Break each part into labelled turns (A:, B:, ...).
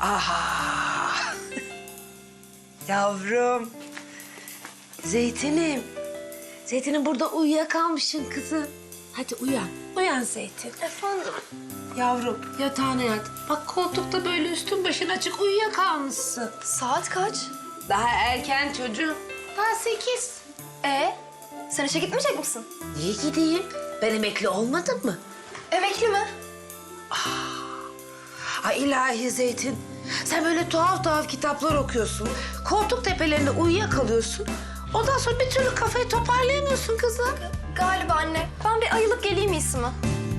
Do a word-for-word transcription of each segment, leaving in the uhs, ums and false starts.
A: Aha! Yavrum. Zeytinim. Zeytinim burada uyuyakalmışsın kızım. Hadi uyan. Uyan Zeytin.
B: Efendim?
A: Yavrum yatağına yat. Bak koltukta böyle üstün başın açık uyuyakalmışsın.
B: Saat kaç?
A: Daha erken çocuğum. Daha sekiz.
B: Ee, sen işe gitmeyecek misin?
A: Niye gideyim? Ben emekli olmadım mı?
B: Emekli mi?
A: Ay ilahi Zeytin. Sen böyle tuhaf tuhaf kitaplar okuyorsun. Koltuk tepelerinde uyuyakalıyorsun. Ondan sonra bir türlü kafayı toparlayamıyorsun kızım.
B: Galiba anne. Ben bir ayılıp geleyim iyisi mi?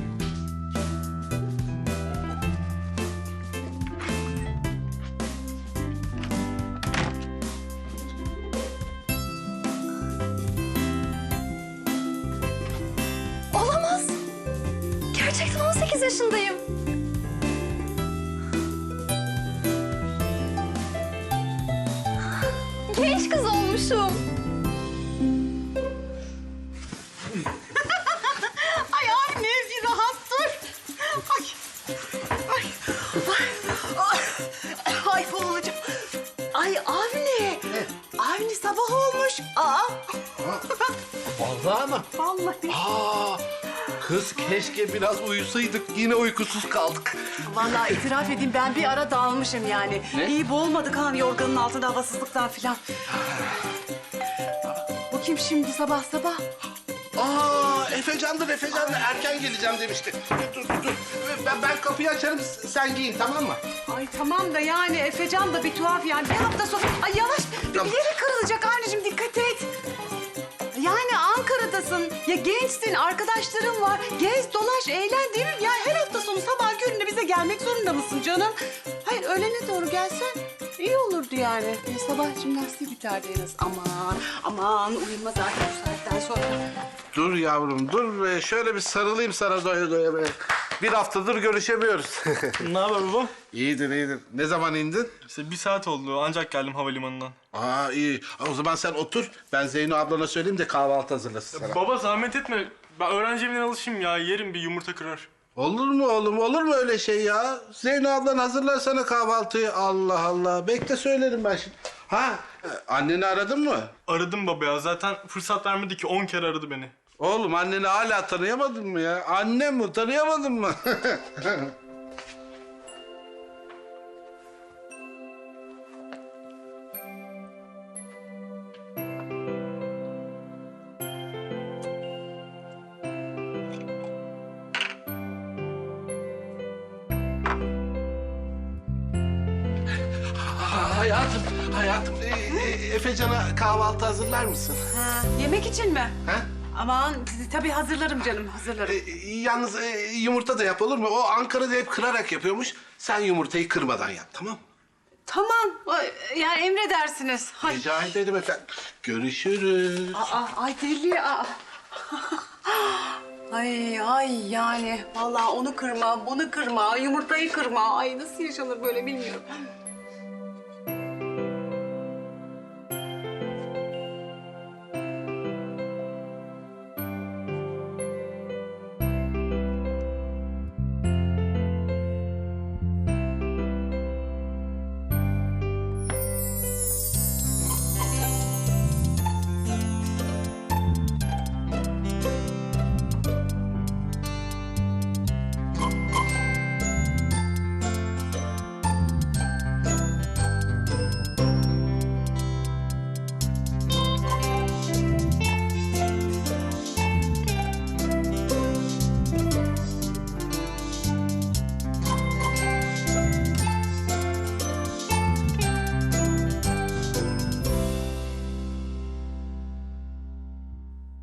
B: Olamaz. Gerçekten on sekiz yaşındayım. Genç kız olmuşum.
C: Ay anne bir rahat dur. Ay. Ay. Ay. Ay. Ay boğulacağım. Ay Avni. Avni sabah olmuş. Aa.
D: Vallahi mı?
C: Vallahi.
D: Aa, kız keşke biraz uyusaydık. Yine uykusuz kaldık.
C: Vallahi itiraf edeyim ben bir ara dalmışım yani.
D: Ne?
C: İyi boğulmadık ha yorganın altında havasızlıktan filan. Bu kim şimdi sabah sabah?
D: Aa, Efecan'dır Efecan'dır. Erken geleceğim demişti. Dur dur dur. Ben, ben kapıyı açarım sen giyin tamam mı?
C: Ay tamam da yani Efecan da bir tuhaf yani. Bir hafta sonra... Ay yavaş bir
D: Tamam.
C: yeri kırılacak anneciğim dikkat et. Yani Ankara'dasın. Ya gençsin, arkadaşların var. Gez, dolaş, eğlen değil mi? Ya her hafta sonu sabah köründe bize gelmek zorunda mısın canım? Hayır öğlene doğru gelsen iyi olurdu yani. E, sabah jimnastiği biterdi en az. Aman, aman uyuma zaten bu saatten sonra.
D: Dur yavrum dur be. Şöyle bir sarılayım sana doya doya be. Bir haftadır görüşemiyoruz.
E: Ne haber baba?
D: iyidir iyidir. Ne zaman indin?
E: İşte bir saat oldu ancak geldim havalimanından.
D: Aa iyi. O zaman sen otur. Ben Zeyno ablana söyleyeyim de kahvaltı hazırlasın sana.
E: Baba zahmet etme. Ben öğrenci evinden alışayım ya. Yerim bir yumurta kırar.
D: Olur mu oğlum? Olur mu öyle şey ya? Zeyno ablan hazırlar sana kahvaltıyı. Allah Allah. Bekle söylerim ben şimdi. Ha, e, anneni aradın mı?
E: Aradım baba ya. Zaten fırsat vermedi ki on kere aradı beni.
D: Oğlum anneni hala tanıyamadın mı ya? Annem mi? Tanıyamadın mı? Ha, hayatım, hayatım. E, e, Efecan'a kahvaltı hazırlar mısın?
C: Ha, yemek için mi?
D: Ha?
C: Aman tabii hazırlarım canım, hazırlarım.
D: E, yalnız e, yumurta da yap olur mu? O Ankara'da hep kırarak yapıyormuş. Sen yumurtayı kırmadan yap, tamam mı?
C: Tamam, ay, yani emredersiniz. Ay,
D: Rica ederim efendim. Görüşürüz.
C: aa, ay deli, aa. Ay, ay yani vallahi onu kırma, bunu kırma, yumurtayı kırma. Ay nasıl yaşanır böyle bilmiyorum.